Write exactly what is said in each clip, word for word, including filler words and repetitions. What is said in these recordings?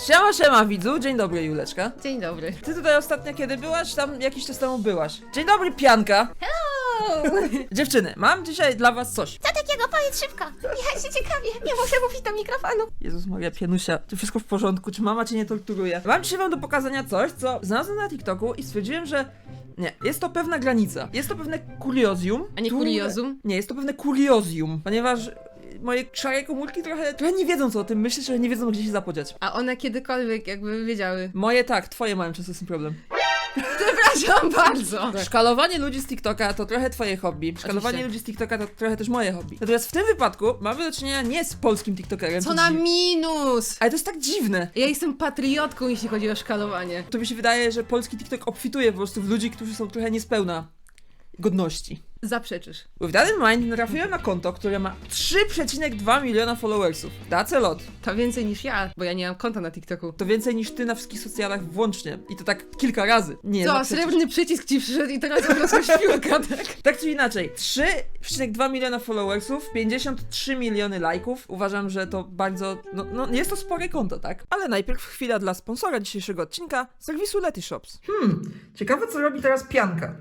Siema, siema widzu, dzień dobry Juleczka. Dzień dobry. Ty tutaj ostatnio kiedy byłaś? Tam jakiś czas temu byłaś. Dzień dobry Pianka. Hello! Dziewczyny, mam dzisiaj dla was coś. Co takiego? Powiedz szybko. Ja się ciekawię. Nie muszę mówić do mikrofonu. Jezus Maria, Pianusia, czy wszystko w porządku? Czy mama cię nie torturuje? Mam dzisiaj wam do pokazania coś, co znalazłem na TikToku i stwierdziłem, że nie, jest to pewna granica. Jest to pewne kuriozjum. A nie które- kuriozum? Nie, jest to pewne kuriozjum, ponieważ moje szare komórki trochę, trochę nie wiedzą co o tym myśleć, że nie wiedzą gdzie się zapodziać. A one kiedykolwiek jakby wiedziały. Moje tak, twoje mają często z tym problem. Przepraszam bardzo. Szkalowanie ludzi z TikToka to trochę twoje hobby. Szkalowanie Oczywiście. ludzi z TikToka to trochę też moje hobby. Natomiast w tym wypadku mamy do czynienia nie z polskim TikTokerem. Co to na dzi- minus! Ale to jest tak dziwne. Ja jestem patriotką, jeśli chodzi o szkalowanie. To mi się wydaje, że polski TikTok obfituje po prostu w ludzi, którzy są trochę niespełna godności. Zaprzeczysz. With that in mind natrafiłem na konto, które ma trzy przecinek dwa miliona followersów. That's a lot. To więcej niż ja, bo ja nie mam konta na TikToku. To więcej niż ty na wszystkich socjalach włącznie. I to tak kilka razy. Nie, Co, no przecież. srebrny przycisk ci przyszedł i teraz odniosła śpiłka, tak? Tak czy inaczej, trzy przecinek dwa miliona followersów, pięćdziesiąt trzy miliony lajków. Uważam, że to bardzo, no, no jest to spore konto, tak? Ale najpierw chwila dla sponsora dzisiejszego odcinka, serwisu Letyshops. Hmm, ciekawe co robi teraz Pianka.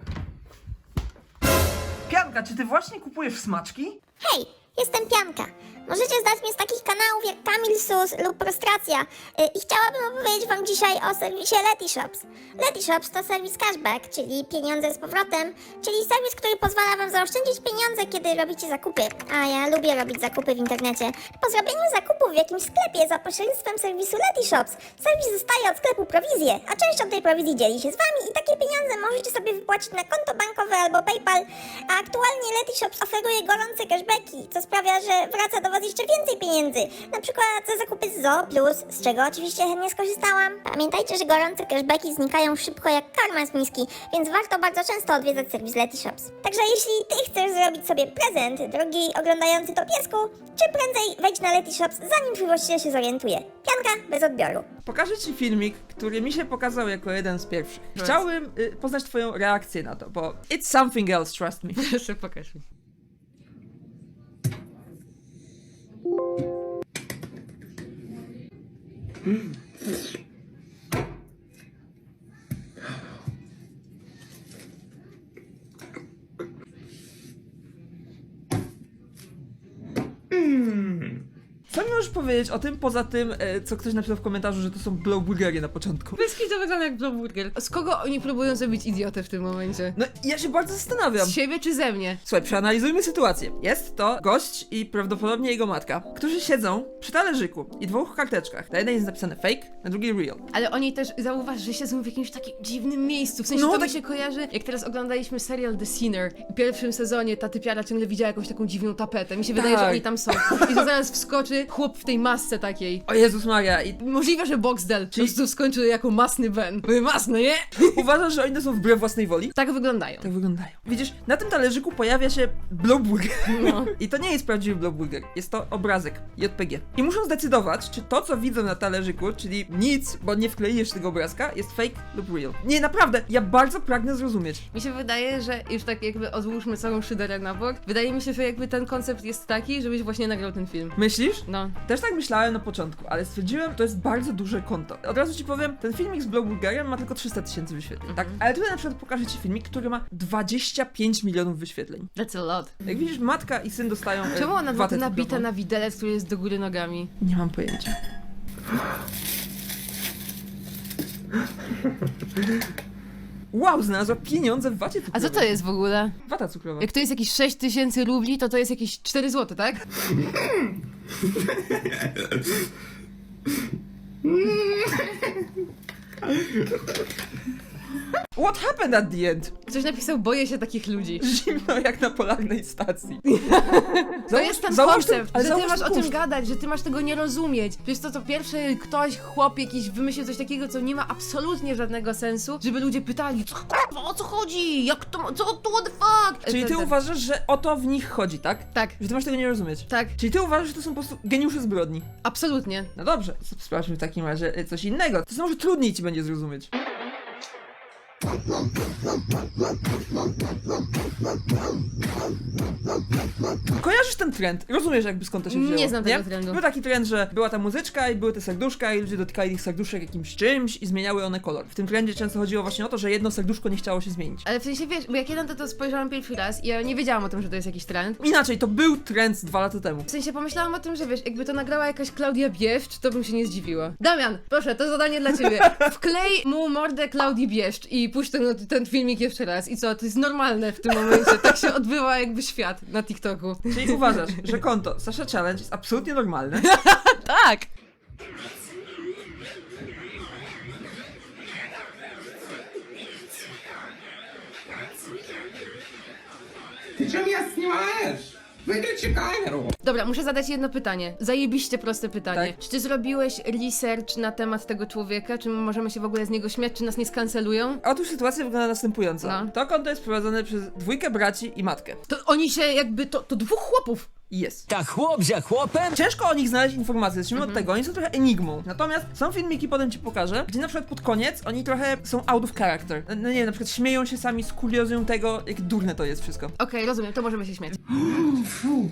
Pianka, czy ty właśnie kupujesz smaczki? Hej, jestem Pianka. Możecie znać mnie z takich kanałów jak Kamil Sus lub Prostracja yy, i chciałabym opowiedzieć wam dzisiaj o serwisie Letyshops. Letyshops to serwis cashback, czyli pieniądze z powrotem, czyli serwis, który pozwala wam zaoszczędzić pieniądze, kiedy robicie zakupy. A ja lubię robić zakupy w internecie. Po zrobieniu zakupu w jakimś sklepie za pośrednictwem serwisu Letyshops, serwis dostaje od sklepu prowizję, a częścią tej prowizji dzieli się z wami i takie pieniądze możecie sobie wypłacić na konto bankowe albo PayPal, a aktualnie Letyshops oferuje gorące cashbacki, co sprawia, że wraca do was jeszcze więcej pieniędzy, na przykład za zakupy z Zoo Plus, z czego oczywiście chętnie skorzystałam. Pamiętajcie, że gorące cashbacki znikają szybko jak karma z miski, więc warto bardzo często odwiedzać serwis Letyshops. Także jeśli ty chcesz zrobić sobie prezent, drogi oglądający to piesku, czy prędzej wejdź na Letyshops, zanim twój właściciel się zorientuje. Pianka bez odbioru. Pokażę ci filmik, który mi się pokazał jako jeden z pierwszych. Chciałbym y, poznać twoją reakcję na to, bo it's something else, trust me. Proszę, pokaż mi. Co mi możesz powiedzieć o tym, poza tym, e, co ktoś napisał w komentarzu, że to są blowburgery na początku? Wyski to wygląda jak Blowburger. Z kogo oni próbują zrobić idiotę w tym momencie? No, ja się bardzo zastanawiam. Z siebie czy ze mnie? Słuchaj, przeanalizujmy sytuację. Jest to gość i prawdopodobnie jego matka, którzy siedzą przy talerzyku i dwóch karteczkach. Na jednej jest napisane fake, na drugiej real. Ale oni też, zauważ, że siedzą w jakimś takim dziwnym miejscu. W sensie No, to tak- mi się kojarzy, jak teraz oglądaliśmy serial The Sinner. W pierwszym sezonie ta typiara ciągle widziała jakąś taką dziwną tapetę. Mi się wydaje, Tak. że oni tam są. I to zaraz wskoczy chłop w tej masce takiej. O Jezus Maria, i Możliwe, że Boxdel po prostu skończył jako masny Ben. Były masne, nie? uważasz, że oni to są wbrew własnej woli? Tak wyglądają. Tak wyglądają. Widzisz, na tym talerzyku pojawia się blowburger. No. I to nie jest prawdziwy blowburger, jest to obrazek J P G. I muszą zdecydować, czy to, co widzą na talerzyku, czyli nic, bo nie wkleisz tego obrazka, jest fake lub real. Nie, naprawdę, ja bardzo pragnę zrozumieć. Mi się wydaje, że już tak jakby odłóżmy całą szyderę na bok. Wydaje mi się, że jakby ten koncept jest taki, żebyś właśnie nagrał ten film. Myślisz? No. Też tak myślałem na początku, ale stwierdziłem, to jest bardzo duże konto. Od razu ci powiem, ten filmik z blowburgerem ma tylko trzysta tysięcy wyświetleń, tak? Ale tutaj na przykład pokażę ci filmik, który ma dwadzieścia pięć milionów wyświetleń. That's a lot. Jak widzisz, matka i syn dostają e, Czemu ona ma watę to nabite cukrową? na widelec, który jest do góry nogami? Nie mam pojęcia. Wow, znalazła pieniądze w wacie A cukrowej. co to jest w ogóle? Wata cukrowa. Jak to jest jakieś sześć tysięcy rubli, to to jest jakieś cztery złote, tak? What happened at the end? Ktoś napisał, boję się takich ludzi. Zimno jak na polarnej stacji. To jest ten załóż koncept, ale że ty załóż masz ten o tym kuszt. gadać, że ty masz tego nie rozumieć. Przecież to to pierwszy ktoś, chłop jakiś wymyślił coś takiego, co nie ma absolutnie żadnego sensu, żeby ludzie pytali, co kurwa, o co chodzi? Jak to, co, to what the fuck? Czyli E, ty ten- ten- uważasz, że o to w nich chodzi, tak? Tak, Że ty masz tego nie rozumieć. tak, Czyli ty uważasz, że to są po prostu geniusze zbrodni. absolutnie. No dobrze, sprawdźmy w takim razie e, coś innego. To może trudniej ci będzie zrozumieć. Kojarzysz ten trend? Rozumiesz jakby skąd to się wzięło? Nie znam tego trendu. Był taki trend, że była ta muzyczka i były te serduszka i ludzie dotykali tych serduszek jakimś czymś i zmieniały one kolor. W tym trendzie często chodziło właśnie o to, że jedno serduszko nie chciało się zmienić. Ale w sensie wiesz, bo jak ja na to, to spojrzałam pierwszy raz i ja nie wiedziałam o tym, że to jest jakiś trend. Inaczej, to był trend z dwa lata temu. W sensie pomyślałam o tym, że wiesz, jakby to nagrała jakaś Klaudia Bieszcz, to bym się nie zdziwiła. Damian, proszę, to zadanie dla ciebie. Wklej mu mordę Klaudii Bieszcz i puść ten, ten filmik jeszcze raz. I co, to jest normalne w tym momencie. Tak się odbywa jakby świat na TikToku. Czyli uważasz, że konto Sasha Challenge jest absolutnie normalne? Tak! Ты что меня снимаешь? Выключи камеру! Dobra, muszę zadać jedno pytanie. Zajebiście proste pytanie. Tak. Czy ty zrobiłeś research na temat tego człowieka? Czy my możemy się w ogóle z niego śmiać? Czy nas nie skancelują? Otóż sytuacja wygląda następująco. No. To konto jest prowadzone przez dwójkę braci i matkę. To oni się jakby, to, to dwóch chłopów. I jest. Ta chłop za chłopem? Ciężko o nich znaleźć informacje, zacznijmy Mhm. od tego, oni są trochę enigmą. Natomiast są filmiki, potem ci pokażę, gdzie na przykład pod koniec oni trochę są out of character. No nie wiem, na przykład śmieją się sami z kuriozją tego, jak durne to jest wszystko. Okej, rozumiem, to możemy się śmiać. Фу.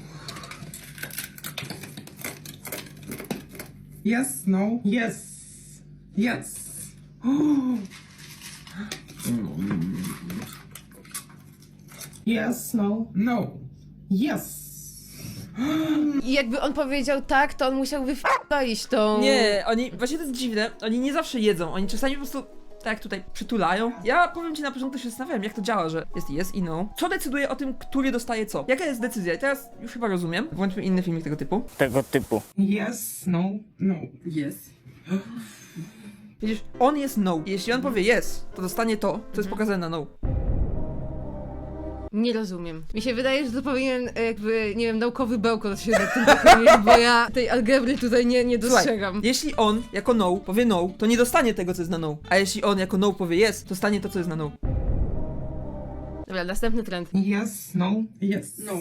Yes, no, yes, yes. Yes, no, no, yes. I jakby on powiedział tak, to on musiał wyf***ić tą... Nie, oni, właśnie to jest dziwne, oni nie zawsze jedzą, oni czasami po prostu tak jak tutaj przytulają. Ja powiem ci na początku, się zastanawiałem, jak to działa, że jest yes i no. Co decyduje o tym, który dostaje co? Jaka jest decyzja? I teraz już chyba rozumiem. Włączmy inny filmik tego typu. Tego typu. Yes, no, no, yes. Widzisz, on jest no. I jeśli on powie yes, to dostanie to, co jest pokazane na no. Nie rozumiem. Mi się wydaje, że to powinien e, jakby, nie wiem, naukowy bełkot się nad tym pochylić, bo ja tej algebry tutaj nie, nie dostrzegam. Słuchaj, jeśli on jako no powie no, to nie dostanie tego, co jest na no. A jeśli on jako no powie yes, to dostanie to, co jest na no. Dobra, następny trend. Yes, no, yes, no.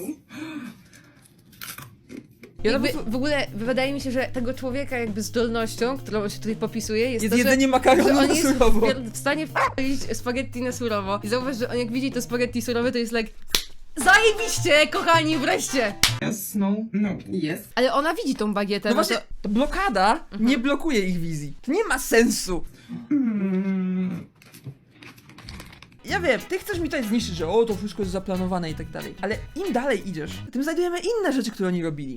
Ja Jakby, po prostu- w ogóle wydaje mi się, że tego człowieka jakby zdolnością, którą się tutaj popisuje, jest, Jest to, jedzenie że, makaronu że on na jest surowo. w, w stanie wpić spaghetti na surowo. I zauważ, że on jak widzi to spaghetti surowe, to jest like zajebiście, kochani, wreszcie! Yes, no, no, yes. Ale ona widzi tą bagietę, No no właśnie, to... to blokada nie blokuje ich wizji. To nie ma sensu. Mm. Ja wiem, ty chcesz mi tutaj zniszczyć, że o, to wszystko jest zaplanowane i tak dalej. Ale im dalej idziesz, tym znajdujemy inne rzeczy, które oni robili.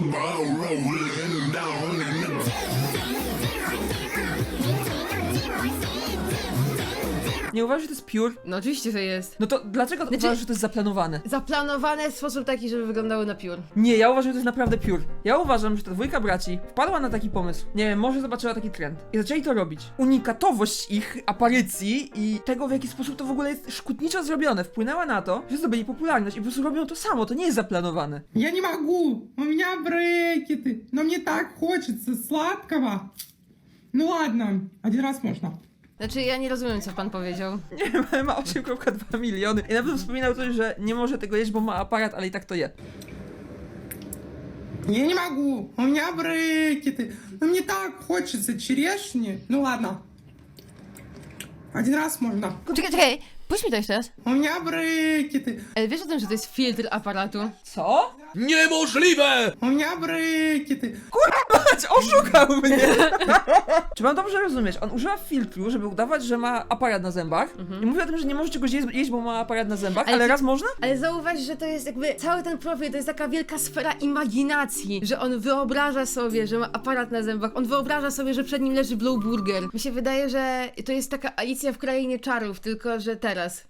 Nie uważasz, że to jest pure? No oczywiście, że jest. No to dlaczego Znaczy- uważasz, że to jest zaplanowane? Zaplanowane w sposób taki, żeby wyglądały na piór. Nie, ja uważam, że to jest naprawdę pure. Ja uważam, że ta dwójka braci wpadła na taki pomysł. Nie wiem, może zobaczyła taki trend. I zaczęli to robić. Unikatowość ich aparycji i tego, w jaki sposób to w ogóle jest szkutniczo zrobione, wpłynęła na to, że zdobyli popularność i po prostu robią to samo, to nie jest zaplanowane. Я не могу, у меня брекеты, но мне так хочется сладкого. Ну ладно, один раз можно. Znaczy, ja nie rozumiem, co pan powiedział. Nie wiem, ma osiem przecinek dwa miliony. I na pewno wspominał coś, że nie może tego jeść, bo ma aparat, ale i tak to je. Я не могу, у меня брекеты, но мне так хочется черешни. Ну ладно, один раз можно. Czekaj, czekaj, puść mi to jeszcze raz. У меня брекеты, Ale wiesz o tym, że to jest filtr aparatu? Co? Niemożliwe! у меня брекеты. Patrz, oszukał mnie! Czy mam dobrze rozumieć? On używa filtru, żeby udawać, że ma aparat na zębach i mówi o tym, że nie może czegoś jeść, jeść, bo ma aparat na zębach, Ale ale ty- raz można? Ale zauważ, że to jest jakby cały ten profil, to jest taka wielka sfera imaginacji, że on wyobraża sobie, że ma aparat na zębach, on wyobraża sobie, że przed nim leży Blue Burger. Mi się wydaje, że to jest taka Alicja w Krainie Czarów, tylko że teraz.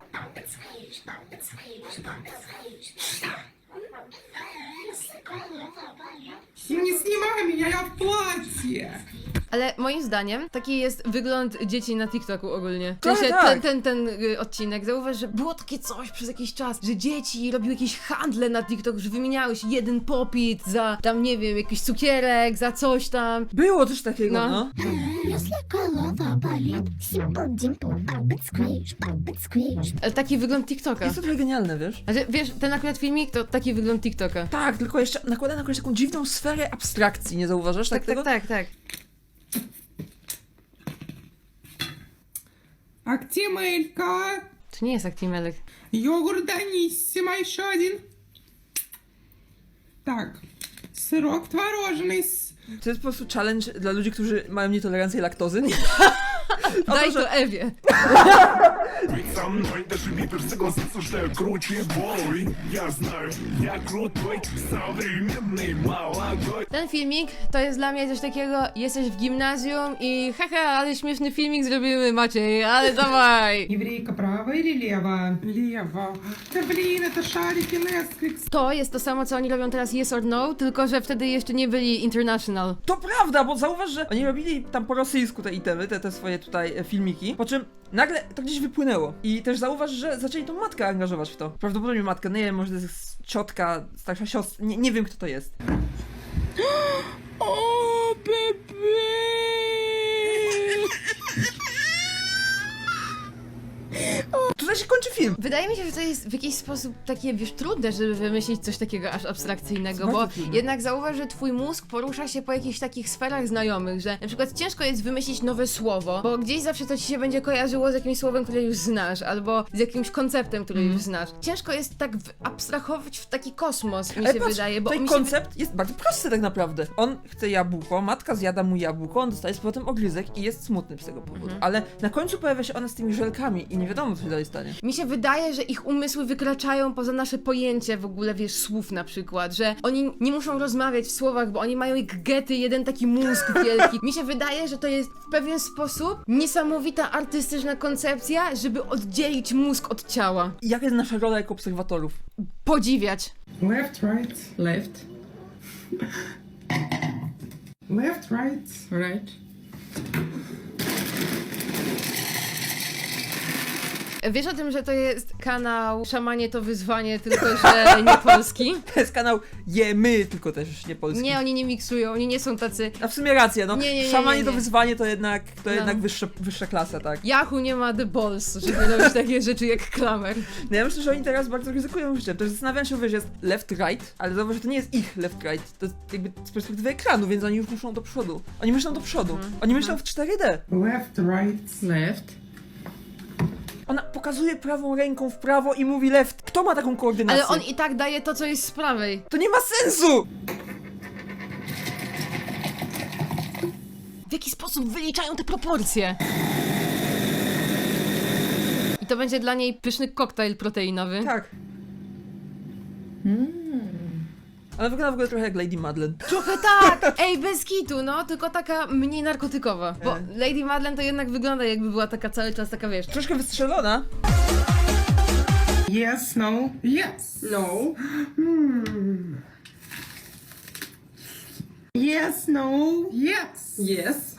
Не снимай меня, я в платье. Ale moim zdaniem taki jest wygląd dzieci na TikToku ogólnie. W Tak, sensie tak. ten, ten, ten y, odcinek, zauważ, że było takie coś przez jakiś czas, że dzieci robiły jakieś handle na TikToku, że wymieniały się jeden popit za tam, nie wiem, jakiś cukierek, za coś tam. Było coś takiego, No. no. Если голова болит, симпл-димпл, бабит сквиш, бабит сквиш. Ale taki wygląd TikToka. Jest to trochę genialne, wiesz? Znaczy, wiesz, ten akurat filmik to taki wygląd TikToka. Tak, tylko jeszcze nakłada na kogoś taką dziwną sferę abstrakcji, nie zauważasz tak, Tak, tego? tak, tak, tak. Актимелька. To nie jest Actimel. Йогурт Даниссимо еще один. Так. Сырок творожный. с- To jest po prostu challenge dla ludzi, którzy mają nietolerancję laktozy. O Daj to, to że Ewie. Ведь со мной даже Випер согласится, что я круче бой. Я знаю, я крутой, современный молодой. Ten filmik to jest dla mnie coś takiego, jesteś w gimnazjum i haha, ale śmieszny filmik zrobimy, Maciej, ale dawaj. Еврейка право или лево? Лево. Да блин, это шарики Nesquik. To jest to samo, co oni robią teraz Yes or No, tylko że wtedy jeszcze nie byli international. To prawda, bo zauważ, że oni robili tam po rosyjsku te itemy, te, te swoje tutaj e, filmiki, po czym nagle to gdzieś wypłynęło. I też zauważ, że zaczęli tą matkę angażować w to. Prawdopodobnie matkę, nie wiem, może to jest ciotka, starsza siostra, nie, nie wiem kto to jest. O, bebe! Tutaj się kończy film. Wydaje mi się, że to jest w jakiś sposób takie, wiesz, trudne, żeby wymyślić coś takiego aż abstrakcyjnego, Bardzo bo trudne. jednak zauważ, że twój mózg porusza się po jakichś takich sferach znajomych, że na przykład ciężko jest wymyślić nowe słowo, bo gdzieś zawsze to ci się będzie kojarzyło z jakimś słowem, które już znasz, albo z jakimś konceptem, który Mhm. już znasz. Ciężko jest tak w- abstrahować w taki kosmos, mi Ale się patrz, wydaje, bo tutaj mi się... koncept jest bardzo prosty tak naprawdę. On chce jabłko, matka zjada mu jabłko, on dostaje z powrotem ogryzek i jest smutny z tego powodu. Mhm. Ale na końcu pojawia się ona z tymi żelkami i nie wiadomo co się dalej stanie. Mi się wydaje, że ich umysły wykraczają poza nasze pojęcie w ogóle, wiesz, słów na przykład, że oni nie muszą rozmawiać w słowach, bo oni mają jak gety, jeden taki mózg wielki. Mi się wydaje, że to jest w pewien sposób niesamowita artystyczna koncepcja, żeby oddzielić mózg od ciała. I jaka jest nasza rola jako obserwatorów? Podziwiać. Left, right, left. Left, right, right. Wiesz o tym, że to jest kanał Szamanie to wyzwanie, tylko że nie polski? To jest kanał Jemy, tylko też nie polski. Nie, oni nie miksują, oni nie są tacy... A w sumie racja, no. Nie, nie, nie, Szamanie nie, to nie. wyzwanie to jednak, to No. jednak wyższa, wyższa klasa, tak. Yahoo nie ma the balls, żeby robić takie rzeczy jak klamer. No ja myślę, że oni teraz bardzo ryzykują życiem. Też zastanawiam się, że jest left, right, ale zauważ, że to nie jest ich left, right. To jest jakby z perspektywy ekranu, więc oni już muszą do przodu. Oni myślą do przodu. Mhm. Oni myślą w cztery D. Left, right, left. Ona pokazuje prawą ręką w prawo i mówi left. Kto ma taką koordynację? Ale on i tak daje to, co jest z prawej. To nie ma sensu! W jaki sposób wyliczają te proporcje? I to będzie dla niej pyszny koktajl proteinowy. Tak. Ona wygląda w ogóle trochę jak Lady Madeleine. Trochę tak! Ej, bez kitu, no, tylko taka mniej narkotykowa. Bo E. Lady Madeleine to jednak wygląda, jakby była taka cały czas taka, wiesz... Troszkę wystrzelona. Yes, no. Yes. No. Hmm. Yes, no. Yes. Yes.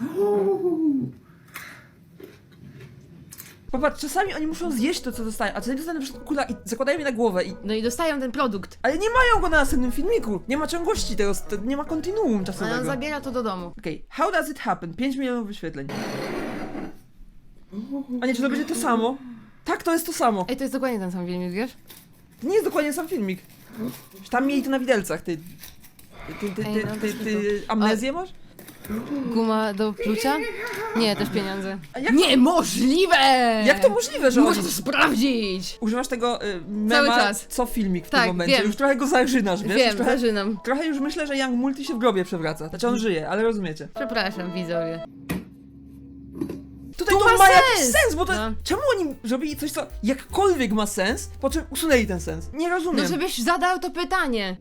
Popatrz, czasami oni muszą zjeść to, co dostają, a czasami dostają na przykład kula i zakładają je na głowę i... No i dostają ten produkt. Ale nie mają go na następnym filmiku! Nie ma ciągłości tego, to nie ma kontinuum A on czasowego. zabiera to do domu. Okej, how does it happen? pięć milionów wyświetleń. A nie, czy to będzie to samo? Tak, to jest to samo. Ej, to jest dokładnie ten sam filmik, wiesz? To nie jest dokładnie sam filmik. Tam mieli to na widelcach, ty... Ty, ty, Ej, ty, no, ty, to ty amnezję masz? Guma do plucia? Nie, też pieniądze. A jak to- Niemożliwe! Jak to możliwe, że Muszę oni... to sprawdzić! Używasz tego y, mema Cały czas. co filmik w Tak, tym momencie. wiem. Już trochę go zażynasz, wiesz? Wiem, już trochę, zażynam. trochę już myślę, że Young Multi się w grobie przewraca. Znaczy on żyje, ale rozumiecie. Przepraszam, widzowie. Tutaj To to, ma ma jakiś sens! sens, bo to... No. Czemu oni zrobili coś, co jakkolwiek ma sens, po czym usunęli ten sens? Nie rozumiem. No żebyś zadał to pytanie.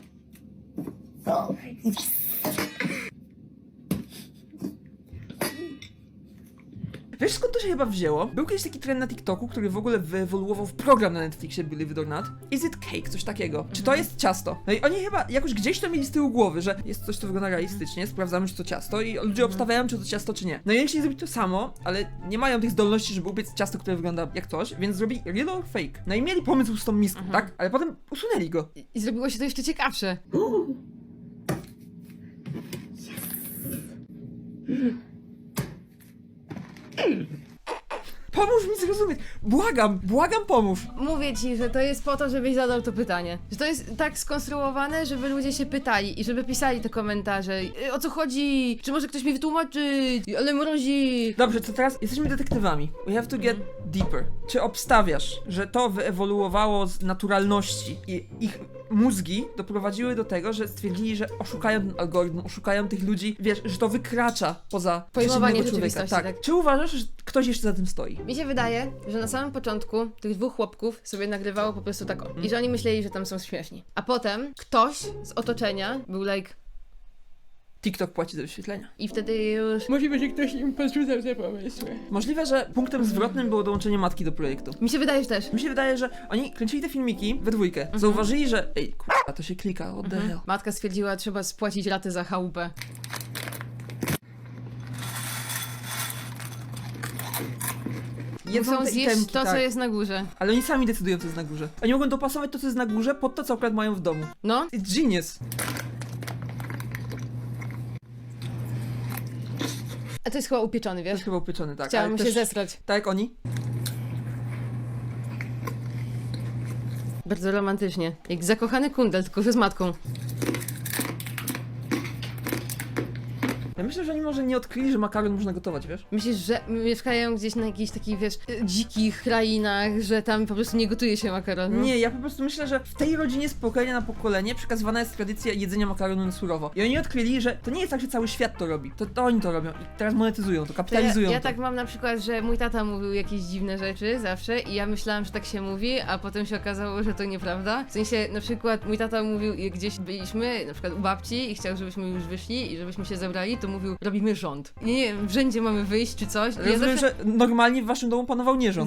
Wiesz skąd to się chyba wzięło? Był kiedyś taki trend na TikToku, który w ogóle wyewoluował w program na Netflixie Believe It or Not. Is it cake? Coś takiego. Czy to jest ciasto? No i oni chyba jakoś gdzieś to mieli z tyłu głowy, że jest coś, co wygląda realistycznie, sprawdzamy, czy to ciasto i ludzie obstawiają, czy to ciasto, czy nie. No i oni chcieli zrobić to samo, ale nie mają tych zdolności, żeby upiec ciasto, które wygląda jak coś, więc zrobili real or fake. No i mieli pomysł z tą miską, tak? Ale potem usunęli go. I- I zrobiło się to jeszcze ciekawsze. Pomóż mi zrozumieć. Błagam, błagam, pomóż. Mówię ci, że to jest po to, żebyś zadał to pytanie. Że to jest tak skonstruowane, żeby ludzie się pytali i żeby pisali te komentarze. Y, O co chodzi? Czy może ktoś mi wytłumaczyć? Ale mrozi. Dobrze, to teraz jesteśmy detektywami. We have to get deeper. Czy obstawiasz, że to wyewoluowało z naturalności i ich mózgi doprowadziły do tego, że stwierdzili, że oszukają ten algorytm, oszukają tych ludzi, wiesz, że to wykracza poza Pojmowanie przeciętnego człowieka. rzeczywistości, Tak. tak. Czy uważasz, że ktoś jeszcze za tym stoi? Mi się wydaje, że na samym początku tych dwóch chłopków sobie nagrywało po prostu tak o. I że oni myśleli, że tam są śmieszni. A potem ktoś z otoczenia był like... TikTok płaci za wyświetlenia. I wtedy już... Możliwe, że ktoś im podrzucał te pomysły. Możliwe, że punktem zwrotnym było dołączenie matki do projektu. Mi się wydaje, że też. Mi się wydaje, że oni kręcili te filmiki we dwójkę. Zauważyli, że ej, kurwa, to się klika, what the hell. Matka stwierdziła, trzeba spłacić raty za chałupę. Jedzą Muszą te zjeść itemki, to, tak. co jest na górze. Ale oni sami decydują, co jest na górze. Oni mogą dopasować to, co jest na górze, pod to, co akurat mają w domu. No. It's genius. A to jest chyba upieczony, To wiesz? jest chyba upieczony, tak. Chciałam ale się też, zesrać. tak jak oni. Bardzo romantycznie. Jak zakochany kundel, tylko że z matką. Ja myślę, że oni może nie odkryli, że makaron można gotować, wiesz? Myślisz, że mieszkają gdzieś na jakichś takich, wiesz, dzikich krainach, że tam po prostu nie gotuje się makaronu? Nie, ja po prostu myślę, że w tej rodzinie z pokolenia na pokolenie przekazywana jest tradycja jedzenia makaronu na surowo. I oni odkryli, że to nie jest tak, że cały świat to robi. To, to oni to robią i teraz monetyzują to, To ja, kapitalizują ja to. tak mam na przykład, że mój tata mówił jakieś dziwne rzeczy zawsze i ja myślałam, że tak się mówi, a potem się okazało, że to nieprawda. W sensie, na przykład mój tata mówił, jak gdzieś byliśmy, na przykład u babci i chciał, żebyśmy już wyszli i żebyśmy się zebrali, to mówił, robimy rząd. I nie wiem, w rzędzie mamy wyjść czy coś. I ja Rozumiem, zawsze... że normalnie w waszym domu panował nierząd.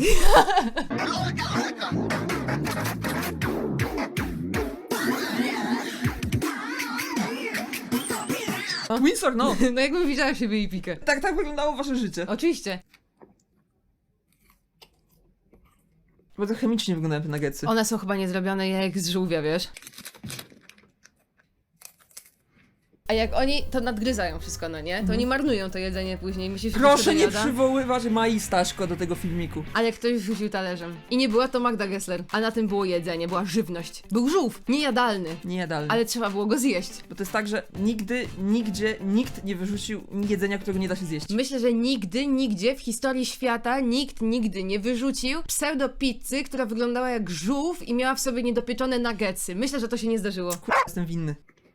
Windsor, no! No jakbym widziała siebie i pikę. Tak, tak wyglądało wasze życie. Oczywiście. Bardzo chemicznie wyglądają te nuggetsy. One są chyba nie zrobione jak z żółwia, wiesz? A jak oni to nadgryzają wszystko, no nie? To oni marnują to jedzenie później. Myślisz, że Proszę to nie jada? przywoływać Mai Staszko do tego filmiku. Ale ktoś rzucił talerzem. I nie była to Magda Gessler. A na tym było jedzenie, była żywność. Był żółw, niejadalny. Nie jadalny. Ale trzeba było go zjeść. Bo to jest tak, że nigdy, nigdzie, nikt nie wyrzucił jedzenia, którego nie da się zjeść. Myślę, że nigdy, nigdzie w historii świata nikt nigdy nie wyrzucił pseudo-pizzy, która wyglądała jak żółw i miała w sobie niedopieczone nuggetsy. Myślę, że to się nie zdarzyło. Kurwa, jestem winny.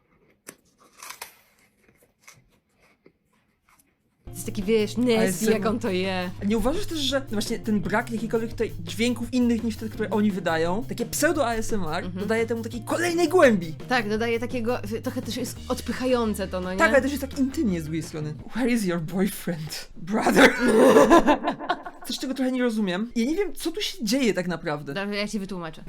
To jest taki, wiesz, Ale Nessie, z- jak on to je. Nie uważasz też, że właśnie ten brak jakichkolwiek tutaj dźwięków innych niż te, które oni wydają, takie pseudo-A S M R, dodaje temu takiej kolejnej głębi. Tak, dodaje takiego, trochę też jest odpychające to, no nie? Tak, ale też jest tak intymnie z drugiej strony. Where is your boyfriend? Brother? Coś, czego trochę nie rozumiem. Ja nie wiem, co tu się dzieje tak naprawdę. Dobrze, ja ci wytłumaczę.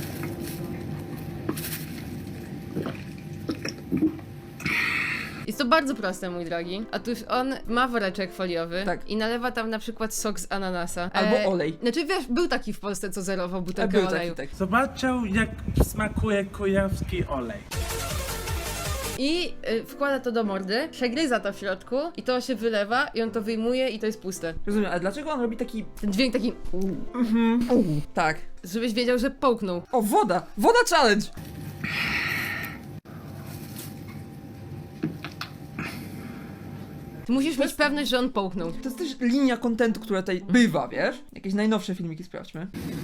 Jest to bardzo proste, mój drogi. Otóż on ma woreczek foliowy Tak. i nalewa tam na przykład sok z ananasa. Albo olej. Znaczy wiesz, był taki w Polsce, co zerował A butelkę był taki, oleju. tak. Zobaczą, jak smakuje kujawski olej. I y, wkłada to do mordy, przegryza to w środku i to się wylewa i on to wyjmuje i to jest puste. Rozumiem, ale dlaczego on robi taki... Ten dźwięk taki, Tak. żebyś wiedział, że połknął. O, woda! Woda challenge! Ty musisz mieć pewność, że on połknął. To jest też linia kontentu, która tutaj bywa, wiesz? Jakieś najnowsze filmiki sprawdźmy.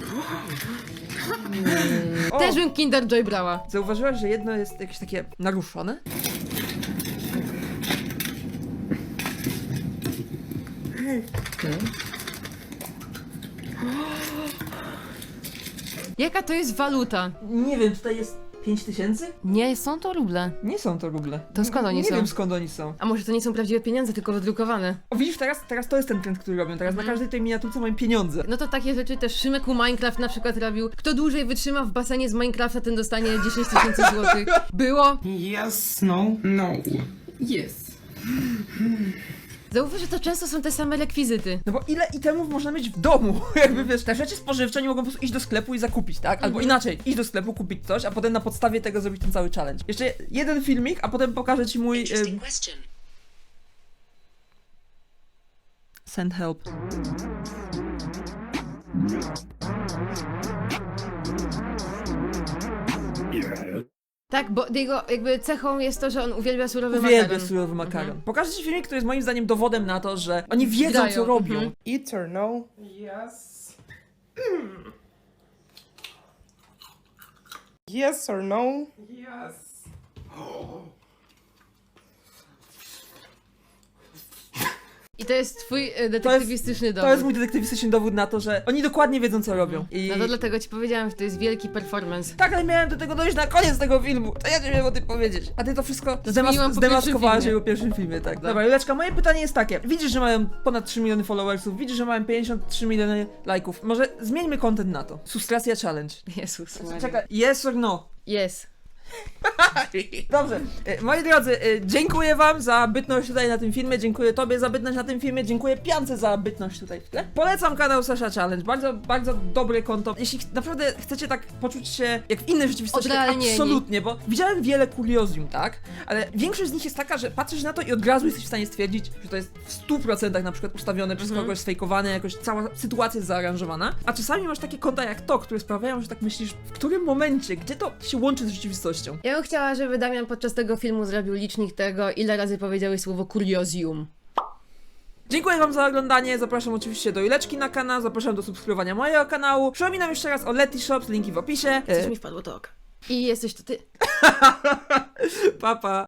O, Też bym Kinder Joy brała. zauważyłaś, że jedno jest jakieś takie naruszone? Jaka to jest waluta? Nie wiem, tutaj jest pięć tysięcy? Nie, są to ruble. Nie są to ruble. To skąd oni nie są? Nie wiem, skąd oni są. A może to nie są prawdziwe pieniądze, tylko wydrukowane? O, widzisz, teraz, teraz to jest ten trend, który robią. Teraz na każdej tej miniaturce mają pieniądze. No to takie rzeczy też Szymek u Minecraft na przykład robił. Kto dłużej wytrzyma w basenie z Minecrafta, ten dostanie dziesięć tysięcy złotych. Było. Yes, no, no. Yes. Zauważ, że to często są te same rekwizyty. No bo ile itemów można mieć w domu? Jakby wiesz, te rzeczy spożywcze nie mogą po prostu iść do sklepu i zakupić, tak? Albo inaczej, iść do sklepu, kupić coś, a potem na podstawie tego zrobić ten cały challenge. Jeszcze jeden filmik, a potem pokażę ci mój... Ym... Send help. Tak, bo jego jakby cechą jest to, że on uwielbia surowy Uwielbiam makaron. surowy makaron. Pokażę ci filmik, który jest moim zdaniem dowodem na to, że oni wiedzą, Grają, co robią. mhm. Eat or no? Yes. Yes or no? Yes. I to jest twój e, detektywistyczny dowód. To jest mój detektywistyczny dowód na to, że oni dokładnie wiedzą, co robią. I... No to dlatego ci powiedziałam, że to jest wielki performance. Tak, ale miałem do tego dojść na koniec tego filmu. To ja nie wiem o tym powiedzieć. A ty to wszystko zmieniłam zdemas- po zdemaskowałaś pierwszym po pierwszym filmie, tak. Dobra, Juleczka, moje pytanie jest takie. Widzisz, że mają ponad trzy miliony followersów, widzisz, że mają pięćdziesiąt trzy miliony lajków. Może zmieńmy content na to. Sustracja challenge. Jezus Maria. Czekaj, yes or no? Jest. Dobrze, e, moi drodzy, e, dziękuję wam za bytność tutaj na tym filmie, dziękuję tobie za bytność na tym filmie, dziękuję Piance za bytność tutaj w tle. Polecam kanał Sasha Challenge, bardzo, bardzo dobre konto. Jeśli ch- naprawdę chcecie tak poczuć się jak w innej rzeczywistości, tak Odrealnieni. absolutnie, bo widziałem wiele kuriozum, tak? Ale większość z nich jest taka, że patrzysz na to i od razu jesteś w stanie stwierdzić, że to jest w stu procentach na przykład ustawione przez kogoś, sfejkowane, jakoś cała sytuacja jest zaaranżowana. A czasami masz takie konta jak to, które sprawiają, że tak myślisz, w którym momencie, gdzie to się łączy z rzeczywistością. Ja bym chciała, żeby Damian podczas tego filmu zrobił licznik tego, ile razy powiedziałeś słowo kuriozjum. Dziękuję wam za oglądanie, zapraszam oczywiście do Juleczki na kanał, zapraszam do subskrybowania mojego kanału. Przypominam jeszcze raz o Letyshops, linki w opisie. Coś E, mi wpadło to oko. I jesteś to ty. pa, pa.